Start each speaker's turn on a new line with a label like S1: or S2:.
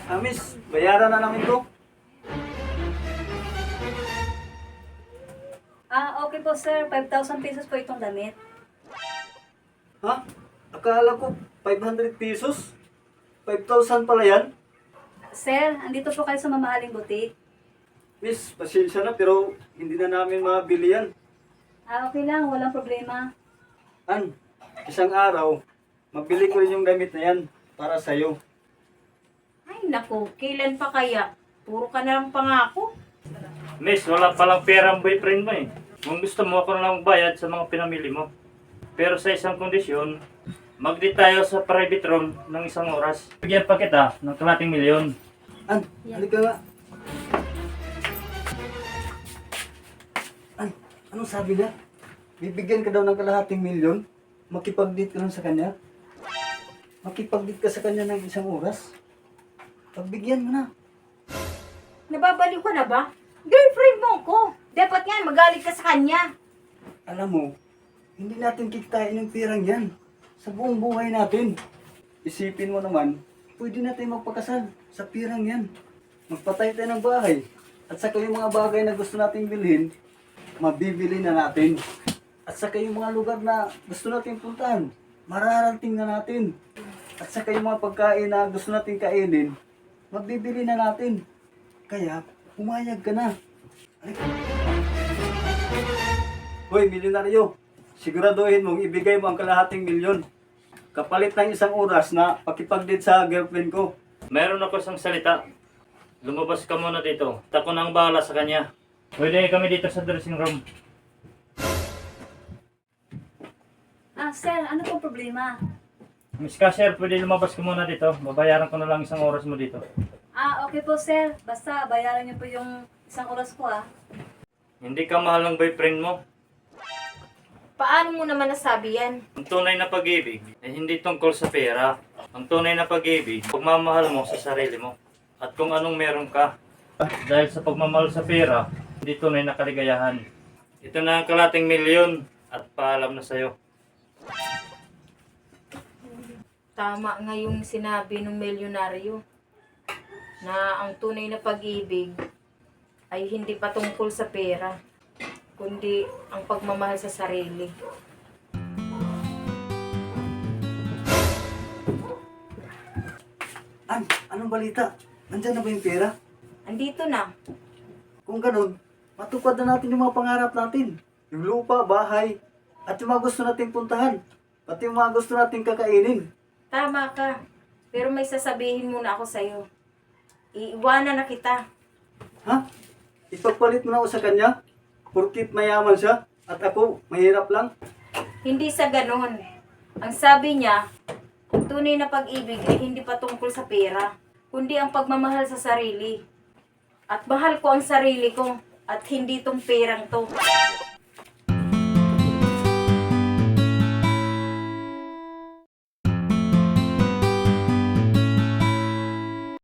S1: Miss, bayaran na namin to.
S2: Okay po sir, 5,000 pesos po itong damit.
S1: Ha? Akala ko 500 pesos? 5,000 pala yan?
S2: Sir, andito po kayo sa mamahaling butik.
S1: Miss, pasensya na pero hindi na namin mabili yan.
S2: Okay lang, walang problema.
S1: Isang araw, mabili ko rin yung gamit na yan para sa'yo.
S3: Ay naku, kailan pa kaya? Puro ka na lang pangako.
S4: Miss, wala palang pera ang boyfriend mo eh. Kung gusto mo, ako na lang bayad sa mga pinamili mo. Pero sa isang kondisyon, mag-date tayo sa private room ng isang oras. Bigyan pa kita ng kalating milyon.
S1: Halika nga. Anong sabi niya? Bibigyan ka daw ng kalahating milyon? Makipag-date ka lang sa kanya? Makipag-date ka sa kanya ng isang oras? Pagbigyan mo na.
S3: Nababaliw ka na ba? Girlfriend mo ko. Dapat nga magalit ka sa kanya.
S1: Alam mo, hindi natin kikitain yung pirang yan sa buong buhay natin. Isipin mo naman, pwede natin magpakasal sa pirang yan. Magpatay tayo ng bahay. At saka yung mga bagay na gusto nating bilhin, mabibili na natin. At saka yung mga lugar na gusto nating puntahan, mararating na natin. At saka yung mga pagkain na gusto nating kainin, mabibili na natin. Kaya, pumayag ka na. Hoy, milyonaryo, siguraduhin mong ibigay mo ang kalahating milyon. Kapalit ng isang oras na pakipag-date sa girlfriend ko.
S4: Meron ako isang salita. Lumabas ka muna dito. Ako na ang bahala sa kanya. Pwede kami dito sa dressing room.
S2: Sir, ano pong problema?
S4: Miss Cashier, pwede lumabas ka muna dito. Babayaran ko na lang isang oras mo dito.
S2: Okay po sir, basta bayaran niyo po yung isang oras ko
S4: Hindi ka mahal ng boyfriend mo.
S3: Paano mo naman nasabi yan?
S4: Ang tunay na pag-ibig ay hindi tungkol sa pera. Ang tunay na pag-ibig, pagmamahal mo sa sarili mo. At kung anong meron ka. Dahil sa pagmamahal sa pera, hindi tunay na kaligayahan. Ito na ang kalating milyon at paalam na sa'yo.
S3: Tama nga yung sinabi ng milyonaryo na ang tunay na pag-ibig ay hindi patungkol sa pera, kundi ang pagmamahal sa sarili.
S1: Anong balita? Nandyan na ba yung pera?
S3: Andito na.
S1: Kung ganun, matupad na natin yung mga pangarap natin. Yung lupa, bahay, at yung mga gusto nating puntahan. Pati yung mga gusto nating kakainin.
S3: Tama ka. Pero may sasabihin muna ako sa'yo. Iiwanan na kita.
S1: Ha? Ipagpalit mo na ako sa kanya? Porkit mayaman siya at ako mahirap lang?
S3: Hindi sa ganon. Ang sabi niya, ang tunay na pag-ibig ay hindi patungkol sa pera, kundi ang pagmamahal sa sarili. At mahal ko ang sarili ko at hindi tong perang to.